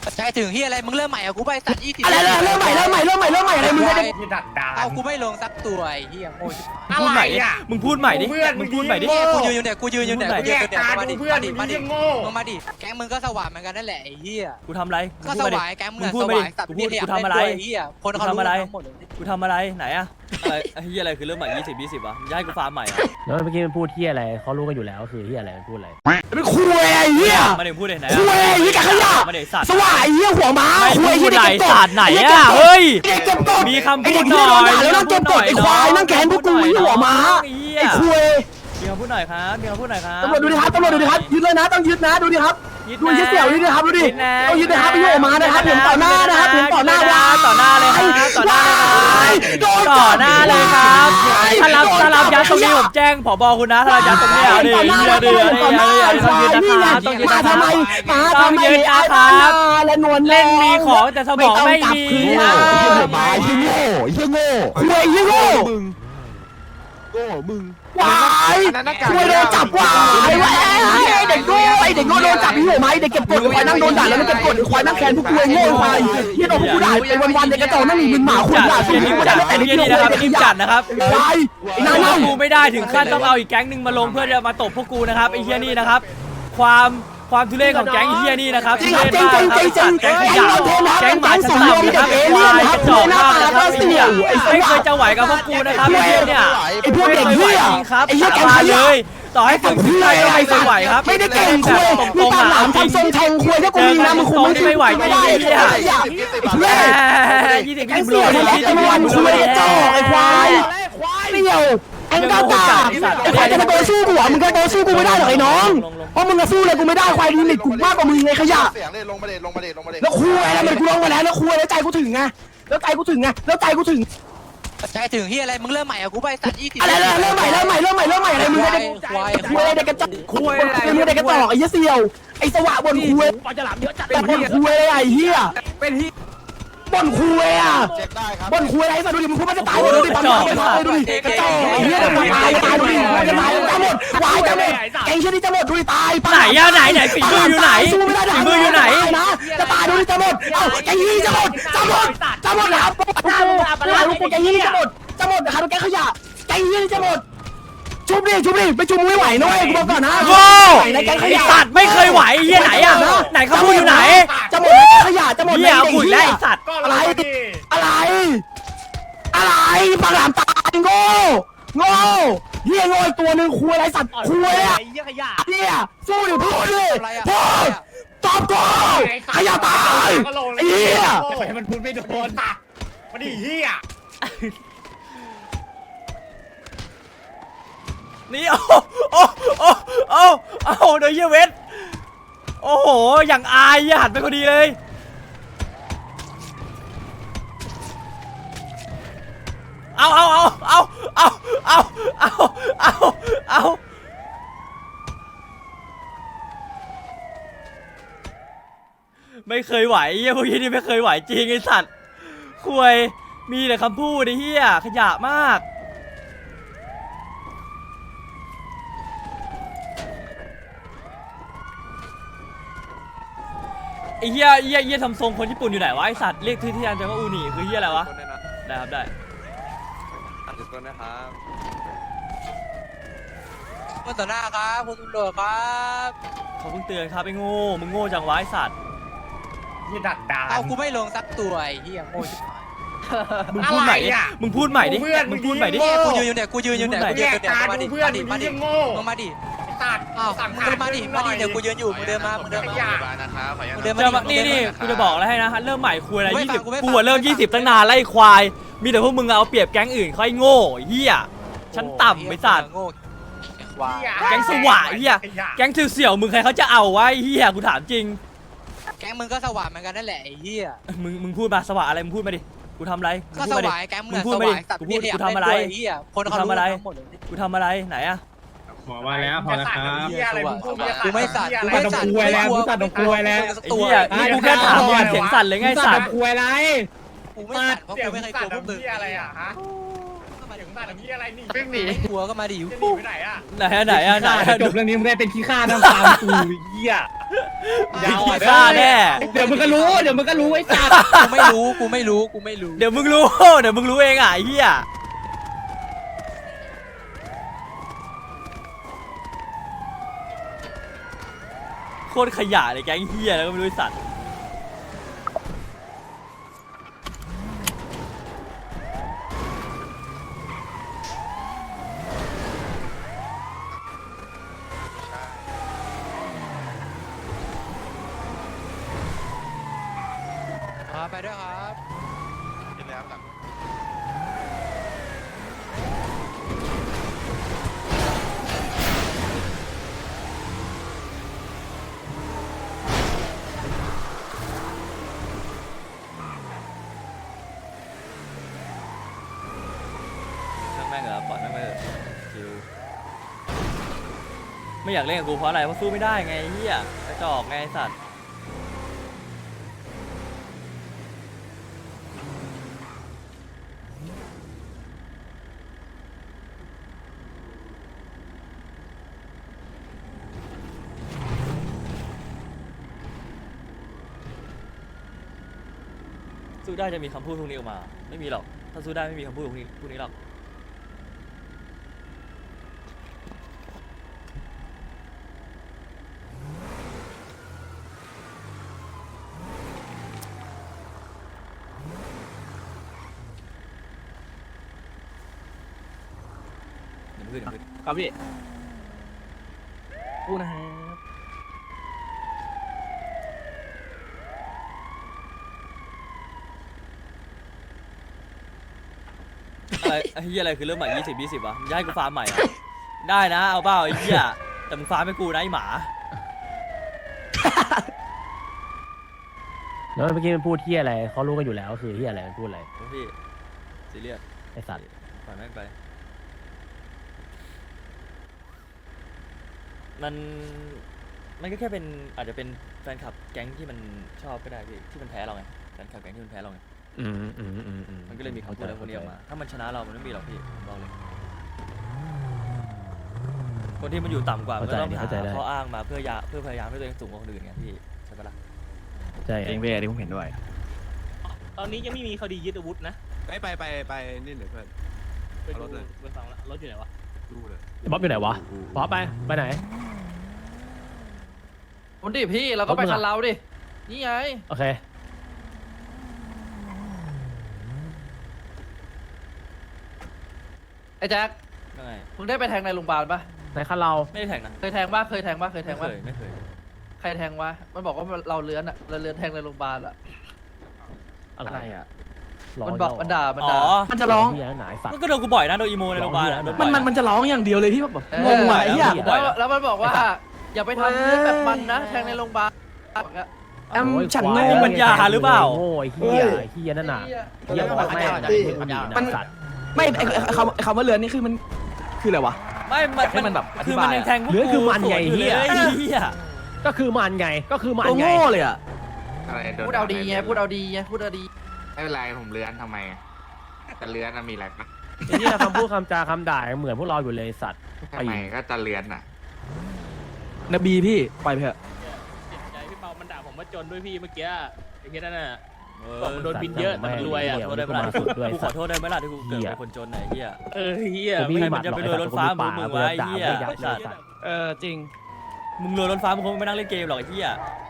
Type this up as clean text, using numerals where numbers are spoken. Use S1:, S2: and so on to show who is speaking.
S1: ใจถึงที่อะไรมึงเริ่มใหม่อะกูไปตัด20
S2: อะไรเริ่มใหม่อะไรมึงจะได้
S3: ดักดา
S1: เอากูไม่ลงสักตัวไอ้เหี้ยโง่ชิบหาย
S4: พูดใหม่ดิมึงพูดใหม่ดิมึงพูดใหม่ดิ
S1: เนี่ยกูยืนอยู่เนี่ยกูยืนอยู่เนี่ยกูยืนอยู่เนี่ยมาดิ
S3: เพื่อน
S1: มาดิ
S3: มึงโง่
S1: มึงมาดิแก๊งมึงก็สว่างเหมือนกันนั่นแหละไอ้เหี้ย
S4: กูทำอะไร
S1: ก็สว่างแก๊งมึง
S4: พู
S1: ส
S4: ดมา
S1: ว่า
S4: ดิ
S1: งตัด
S4: กู
S1: เพี้ย
S4: กูทำอะไร
S1: ไอ้เหี้ยคนเขารู้ทั้งหมดเลย
S4: กูทำอะไรไหนอะอะไรไอ้เหี้ยอะไรคือเริ่มใหม่20 วะมึงจะให้กูฟาร์มใหม่อะ
S5: แล้วเมื่อกี้มันพูดที่อะไรเขารู้กันอยู่แล้วคือที่อะไรมันพูดอะไร
S2: เป็นคุยไอ้เหี้ย
S4: มาเดี๋ยวพูดเลยไหน
S2: คุยไอ้เหี้ยขยะ
S4: มาเดี๋ยวสัตว์
S2: สว่างไอ้เหี้ยหัวม้า
S4: ไม่
S2: คุย
S4: พู
S2: ไอ้
S4: ด
S2: เหี้ย
S4: ไหน
S2: เด็ก
S4: สัตว์ไหนอะเฮ้ย
S2: เด็กเก็บกด
S4: มีคำพู
S2: ไอ้
S4: ด
S2: เด็ก
S4: ห
S2: ที่
S4: น่
S2: โด
S4: อน ย
S2: ด่าแล้วต้องเก็บกดไอ้ควายนั่งแขนพวกกูไอ้หัวม้าไอ้คุย
S4: มีคำพูดหน่อยครับมีคำพูดหน่อยครับ
S2: ตำรวจดูดิครับยึดเลยนะต้องยึดนะดูดิครับดูยึดเสี่ยวยึดนะครับดูดิต้องยึดนะครับไอ้หัวม้านะครับเห็นต่อหน้านะครับเห็นต่อหน้าว่า
S4: ต่อหน้าเลยครับต่อหน้าเลยครับต่อหน้าเลยครับถ้ารับยัดตรงนี้ผมแจ้งผบคุณนะถ้ารับยัดตรงนี้ดิต้องยืนนะครับต้องยืน
S2: มา
S4: นะค
S2: ทำไม
S4: รับ
S2: มา
S4: ต้อง
S2: ทำไม
S4: ยืนนะครับ
S2: และนวล
S4: เล่นมีของแต่สมองไม่มี
S2: โง่ยี่โง่คุยยี่โง่วายคุยโดนจับวายเด็กโง่ไอเด็กโง่โดนจับพี่หัวไม้เด็กเก็บกดควายนั่งโดนด่าแล้วเก็บกดควายนั่งแขนพวกคุยโง่ควายที่โดนพวกกูด่าไปวันๆเด็กกระจอกนั่งหนีมึนหมาคุยด่าสู้กูได้แต่เด็ก
S4: นี่
S2: เดียว
S4: นะครับ
S2: เด็ก
S4: ทีม
S2: จั
S4: จั
S2: ด
S4: ดนะครับ
S2: วายไอ้นั่น
S4: พวกกูไม่ได้ถึงขั้นต้องเอาอีกแก๊งหนึ่งมาลงเพื่อจะมาตบพวกกูนะครับไอ้เฮียนี่นะครับความทุเรศของแก๊งไอ้เฮียนี่นะครับ
S2: จริงครับจริงจริงจริงจริง
S4: แก๊งข
S2: ไอ้
S4: ยะ
S2: เราโทรมา
S4: แก๊งหมา
S2: เป็น
S4: ชั้น
S2: สูง
S4: ต่ำ
S2: มี
S4: นะค
S2: แต่
S4: รับ
S2: เอ
S4: ไอ้
S2: เลี่ยน
S4: ควาย
S2: นะครับหน้าตาก็เสี่ยว
S4: กระจอกมากนะครับไอ้เหี้ยไม่เคยจะไหวกับพวกกูนะครับไอ้เหี้ยเนี่ย
S2: ไอ้พวกเด็กเหี้ย
S4: จริงครับ
S2: ไอ้เหี้ยแก๊ง
S4: มา
S2: ข
S4: เลย
S2: ะ
S4: ต่อให้ฝึกที่ไหนก็ไม่เคยไหวครับ
S2: ไม่ได้เก่งคุยมีตาหลามทำทรงแทงคุยถ้ากูมีนะมึงคงไม่ได้ไม่ได้ไอ้เหี้ยเว้ย
S4: 20
S2: แก๊งเสี่ยวทำไมไอ้วันคุยกระจอกไอ้ควายเสี่ยวไอ้กากาไอ้ควายจะมาโตสู้กูมึงก็โตสู้กูไม่ได้หรอกไอ้น้องเพราะมึงจะสู้เลยกูไม่ได้ควายลิมิตกูมากกว่ามึงไงขยะ
S6: เสียงเลยลงมาเด็ด
S2: แล้วคุยอะไรมันกูลงมาแล้วแล้วคุยแล้วใจกูถึงไงแล้วใจกูถึงไงแล้วใจกูถึง
S1: ใจถึงที่อะไรมึงเริ่มใหม่อะกูไปตัด20
S2: อะไรเริ่มใหม่อะไรมึงจะได้คุยอะไรเด็กกระจอกคุยอะไรมึงเด็กกระจอกไอ้เหี้ยเสี่ยวไอ้สวะบนคุย
S5: ปลาฉลามเยอะจัด
S2: แต่บนคุยอะไรไอ้เหี้ยบนคุยอ่ะ
S6: เช็คได้ครับ
S2: บนคุยอะไรสัตว์ดูดิมึงพูดมันจะตายดูดิปั๊มดูดิกระจอกไอ้เหี้ยจะตายดูดิมันจะตายจะหมดวายจะหมดแกงเชี่ยนี่จะหมดดูดิตาย
S4: ไหนอะไหนฝีมืออยู่ไหน
S2: สู้ไม่ได้
S4: ฝีมืออยู่ไหน
S2: นะจะตายดูดิจะหมดเอ้าแกงยี่จะหมดนะครับลูกกูแกงยี่จะหมดนะครับแกงขยะแกงยี่จะหมดชุบดิไม่ชุบไม่ไหวนะเว้ยกูบอกก่อนนะ
S4: โง่
S2: ในแกงข
S4: ไอ้
S2: ยะ
S4: สัตว์ไม่เคยไหวไอ้เหี้ยไหนอะไหนเขาพูดอยู่ไหน
S2: จะหมดแล้วขยะจะหมด
S4: เหี้ยเอาหุ่นแล้วไอ้สัตว์
S2: อะไรปลาหลามตายโง่เฮียโง่อีกตัวหนึ่งคุยอะไรสัตว์คุยอะเฮียสู้ดิพูดดิพูดตอบกูขยะตายไอ้เฮีย
S3: มันพูดไม่โดนมันดีเหี้ย
S4: นี่โอ้โดยเหี้ยเวทโอ้โหอย่างอายเหี้ยหันไปพอดีเลยเอาไม่เคยไหวเหี้ยพวกนี้นี่ไม่เคยไหวจริงไอ้สัตว์คุยมีแต่คำพูดไอ้เหี้ยขยะมากไอ้เหี้ยทำทรงคนญี่ปุ่นอยู่ไหนวะไอ้สัตว์เรียกที่ที่อันจะว่าอูนี่คือเหี้ยอะไรวะได้ครับได้
S6: ต้นนะครับ
S1: เมื่อต่อหน้าครับคุณตำรวจครับ
S4: เขาเพิ่งเตือนครับไอ้โง่มึงโง่จังวะไอ้สัตว์
S3: นี่ดักดา
S1: เอากูไม่ลงสักตัวไอ้เหี้ยโง่ชิบหาย
S4: มึงพูดใหม่ดิมึงพูดใหม่ดิมึงพูดใหม่ดิ
S1: เนี่ยกูยืนอยู่เนี่ยมาดิมาดิ
S3: โง่
S1: มึงมาดิ
S3: ตัด
S1: อ้าวมึงเดินมาดิเดี๋ยวกูยืนอยู่มึงเดินมามึงเดินมา
S4: นี่กูจะบอกแล้วให้นะเริ่มใหม่คุยอะไร
S1: กูไม่ฟัง
S4: 20
S1: กูไม่ฟัง
S4: กูเริ่ม20ตั้งนานไล่ควายมีแต่พวกมึงเอาเปรียบแก๊งอื่นเขาไอ้โง่เหี้ยฉันต่ำไอ้สัตว์
S1: โง่ควาย
S4: แก๊งสว่างเหี้ยแก๊งเสี่ยวมึงใครเขาจะเอาวะไอ้เหี้ยกูถามจริง
S1: แก๊งมึงก็สว่างเหมือนกันนั่นแหละไอ้เหี้ย
S4: มึงพูดมาสว่างอะไรมึงพูดมาดิกูทำอะไร
S1: ก็สว่างแก๊งมึง
S4: พูด
S1: ส
S4: มาดิ
S1: ว่างตัด
S4: กู
S1: เพี้ย
S4: ทำอะไร
S1: ไอ้เหี้ยคนเขารู้ทั้งหมดเลย
S4: กูทำอะไรไหนอะ
S3: หมอมาแล้วพอแล้วครับเหี้ยอะไรมึงพูด
S1: กูไม่สั่น
S3: กูไม่สั่นกูแล้วกูสั่นกูแล้ว
S4: ไอ้เหี้ยนี่กูแค่ถามมึงเสียงสั่นเลยไงสัตว์
S3: กูอะไร
S1: กูไม่สั่นเพราะกูไม่เคยกลัวพวกมึง
S3: เหี้ยอะไรอ่ะฮะ
S1: เข้ามาดิ
S3: ถึงบ้านพี่อะไรนี่
S1: ไม่หนีกลัวก็มาดิ
S3: จะหนีไปไหนอ่ะ
S4: ไหน
S3: จบเรื่องนี้มึงได้เป็นขี้ข้าน้ำตากูเหี้ยยาว
S4: ขี้ข้าแน่
S3: เดี๋ยวมึงก็รู้ไอ้สัตว์
S1: กูไม่รู้
S4: เดี๋ยวมึงรู้เองอ่ะไอ้เหี้ยโคตรขยะเลยแก๊งเหี้ยแล้วก็ไม่รู้ไอ้สัตว์
S1: ไปด้วยครับ
S6: กินแล้วครับ
S4: ช่างแม่งเหรอปล่อยแม่งไปเถอะชิวไม่อยากเล่นกับกูเพราะอะไรเพราะสู้ไม่ได้ไงไอ้เหี้ยกระจอกไงไอ้สัตว์สู้ได้จะมีคำพูดพวกนี้ออกมาไม่มีหรอกถ้าสู้ได้ไม่มีคำพูดพวกนี้หรอกเดี๋ยวขึ้น
S2: ครับพี่พูดนะครับ
S4: อะไรไอ้เหี้ยอะไรคือเริ่มใหม่20 วะมึงจะให้กูฟาร์มใหม่เหรอได้นะเอาเปล่าไอ้เหี้ยแต่มึงฟาร์มให้กูนะไอ้หมา
S5: แล้วเมื่อกี้มันพูดที่อะไรเขารู้กันอยู่แล้วคือที่อะไรมันพูดอะไร
S4: พี่ซีเรียส
S5: ไอสัตว์
S4: ปล่อยแม่งไปมันก็แค่เป็นอาจจะเป็นแฟนคลับแก๊งที่มันชอบก็ได้พี่ที่มันแพ้เราไงแฟนคลับแก๊งที่มันแพ้เราไงมันก็เลยมีคำพูดอะไรพวกนี้ออกมาถ้ามันชนะเรามันไม่มีหรอกพี่ผมบอกเลยคนที่มันอยู่ต่ำกว่ามันก็ต้องหาข้ออ้างมาเพื่อพยายามให้ตัวเองสูงกว่าคนอื่นไงพี่ใช่ปะล่ะ
S5: ใช่
S2: เองเว้ยที่ผมเห็นด้วย
S7: ตอนนี้ยังไม่มีคดียึดอาวุธนะ
S6: ไปนี่เดี๋ยวเพื่อน
S7: ไป
S6: เอาร
S7: ดู
S6: ถเลย
S7: ไปฟังแล้วรถอยู่ไหนวะ
S6: ดูเลย
S5: บ๊อบอยู่ไหนวะบ๊อบไปไหน
S8: คนดิพี่เราก็ไปคันเราดิ นี่ไง
S5: โอเค
S8: ไอ้แจ็ค
S4: ยังไง
S8: มึงได้ไปแทงในโรงพยาบาลปะ
S5: ไหนคันเรา
S4: ไม่ได้แข่งนะ
S8: เคยแทงปะเคยแทงปะเคยแทงปะ
S4: ไม่เคย
S8: ใครแทงวะมันบอกว่าเราเลื้อนอะเราเลื้อนแทงในโรงพยาบาลอะ
S5: อะไรอ่ะ
S8: มันบอกมันด่า
S4: อ๋อ
S2: มันจะร้อง
S5: เฮียหนาสัตว์
S4: มันก็โดนกูบ่อยนะโดนอีโมในโรงพยาบาลโดนบ่อย
S2: มันจะร้องอย่างเดียวเลยที่แบบงงว่ะไอ้เหี้ย
S8: แล้วมันบอกว่า อย่าไปทำเรื่องแบบมันนะ แทงในโรงพยาบาล
S2: แอมฉัน
S4: ไม่
S2: โง่
S4: มีปัญญาหรือเปล่า
S5: โง่ไอ้เฮียนั่นน่ะเฮียบอกแม่มันสัตว์
S2: ไม่ไอ้คำว่าเรือนนี่คือมันคืออะไรวะ
S4: ไม่
S2: ให้มันแบบอธิ
S4: คือบ
S2: าย
S4: มันยังแทงพวก
S5: เหลือคือมันไง
S4: สวนอยู่
S5: เหี้ย
S4: เลยเฮีย
S5: ก็คือมันไง
S2: ตัวโง่เลยอ่ะ
S8: พูดเอาดีไงพูดเอาดีไงพูดเอาดี
S9: ไม่เป็นไรผมเลื้อนทำไมอะแต่เลื้อนน่ะมีอะไรปะ
S5: ไอ้เฮียคำพูดคำจาคำด่าเหมือนพวกเราอยู่เลยสัตว์
S9: ทำไมก็จะเลื้อนอ่ะ
S2: นบีพี่ไปเถอะ
S7: เจ็บใจพี่เปามันด่าผมว่าจนด้วยพี่เมื่อกี้ไอ้เหี้ยนั่นน่ะ
S4: เออ
S7: บอกมันโดนบินเยอะแต่มันรวยอะ
S4: ขอโทษได้ไหมล่ะ
S5: สุดด้วย
S4: กูขอโทษได้ไหมล่ะที่กูเกิดเป็นคนจนไหนเฮีย
S7: เฮีย
S5: กูมี
S4: ไม่
S5: ห
S4: มั
S5: มัด
S4: นจะ
S5: หร
S4: ไป
S5: อก
S4: รวยรถฟ้ามึงไว้เหี้ย
S5: ด่าไม่ยับเลยสัตว์
S2: จริง
S4: มึงรวยรถฟ้ามึงคงไม่นั่งเล่นเกมหรอกไอ้เฮีย